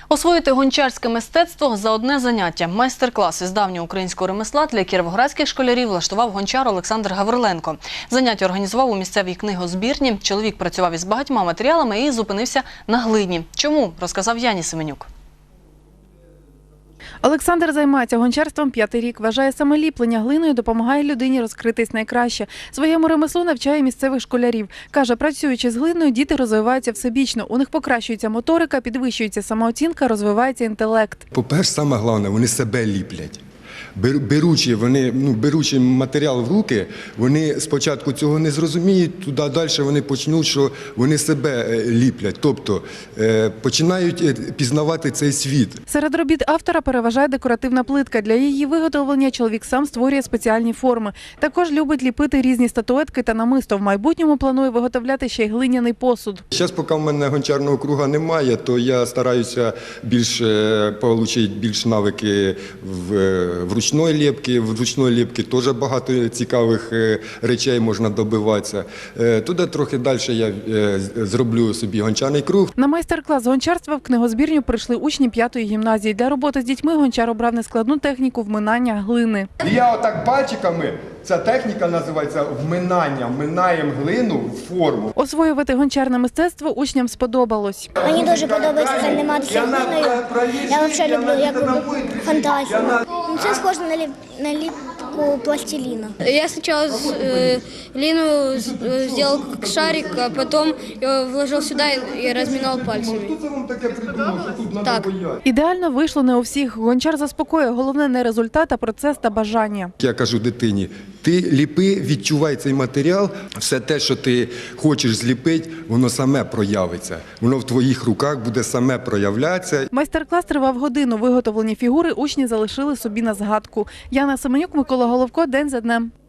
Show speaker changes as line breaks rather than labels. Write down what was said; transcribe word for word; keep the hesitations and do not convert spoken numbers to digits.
Освоїти гончарське мистецтво за одне заняття. Майстер-клас із давнього українського ремесла для кіровоградських школярів влаштував гончар Олександр Гавриленко. Заняття організував у місцевій книгозбірні. Чоловік працював із багатьма матеріалами і зупинився на глині. Чому? Розказав Яні Семенюк.
Олександр займається гончарством п'ятий рік. Вважає, саме ліплення глиною допомагає людині розкритись найкраще. Своєму ремеслу навчає місцевих школярів. Каже, працюючи з глиною, діти розвиваються всебічно. У них покращується моторика, підвищується самооцінка, розвивається інтелект.
По-перше, саме головне, вони себе ліплять. Беручи, вони, ну, беручи матеріал в руки, вони спочатку цього не зрозуміють, туди далі вони почнуть, що вони себе ліплять, тобто е, починають пізнавати цей світ.
Серед робіт автора переважає декоративна плитка. Для її виготовлення чоловік сам створює спеціальні форми. Також любить ліпити різні статуетки та намисто. В майбутньому планує виготовляти ще й глиняний посуд.
Зараз, поки в мене гончарного круга немає, то я стараюся більш отримати більш навики в, в ручної ліпки. В ручної ліпки теж багато цікавих речей можна добиватися. Туди трохи далі я зроблю собі гончарний круг.
На майстер-клас з гончарства в книгозбірню прийшли учні п'ятої гімназії. Для роботи з дітьми гончар обрав нескладну техніку вминання глини.
Я отак пальчиками, ця техніка називається вминання. Вминаємо глину в форму.
Освоювати гончарне мистецтво учням сподобалось.
Мені дуже подобається займатися глиною. Я взагалі люблю як фантазію. Це схоже на, ліп, на ліпку пластиліна.
Я спочатку э, глину зробив як шарик, а потім його вложив сюди і розминав пальцями.
Хто це вам таке придумав, що тут треба боятися?
Ідеально вийшло не у всіх. Гончар заспокоює. Головне не результат, а процес та бажання.
Я кажу дитині, ти ліпи, відчувай цей матеріал, все те, що ти хочеш зліпити, воно саме проявиться. Воно в твоїх руках буде саме проявлятися.
Майстер-клас тривав годину. Виготовлені фігури учні залишили собі на згадку. Яна Семенюк, Микола Головко. День за днем.